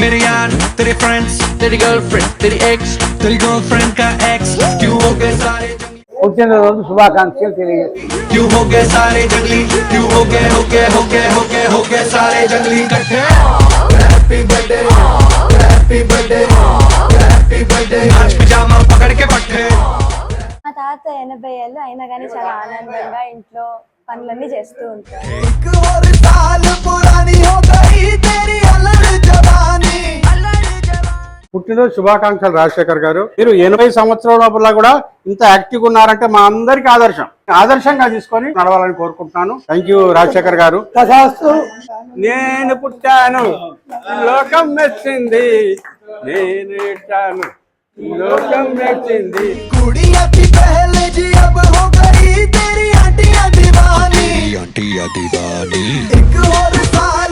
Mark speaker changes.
Speaker 1: मेरे यार, तेरे फ्रेंड्स, तेरी गर्लफ्रेंड, तेरी एक्स, तेरी गर्लफ्रेंड का एक्स, क्यों हो गए सारे जंगली,
Speaker 2: పుట్టినరోజు శుభాకాంక్షలు తెలియజేస్తున్నాను.
Speaker 1: क्यों हो गए सारे जंगली, क्यों हो गए सारे जंगली इकट्ठे। Happy birthday, happy birthday, happy birthday, आज पिजामा पकड़ के पट्टे।
Speaker 3: మా తాత 80 ఏళ్ళు అయినా కానీ చాలా ఆనందంగా ఇంట్లో పనులన్నీ చేస్తూ ఉంటారు.
Speaker 1: एक और साल पुरानी हो गई तेरी अलग जवानी।
Speaker 2: పుట్టినరోజు శుభాకాంక్షలు రాజశేఖర్ గారు. మీరు 80 సంవత్సరాల లోపల కూడా ఇంత యాక్టివ్ ఉన్నారంటే మా అందరికి ఆదర్శంగా తీసుకొని నడవాలని కోరుకుంటున్నాను. థ్యాంక్ యూ రాజశేఖర్ గారు. నేను పుట్టాను లోకం మెచ్చింది, నేను ఇట్టాను లోకం మెచ్చింది.
Speaker 1: कुड़िया की पहले जी अब हो गई तेरी आंटियां दीवानी, आंटियां दीवानी। एक और साल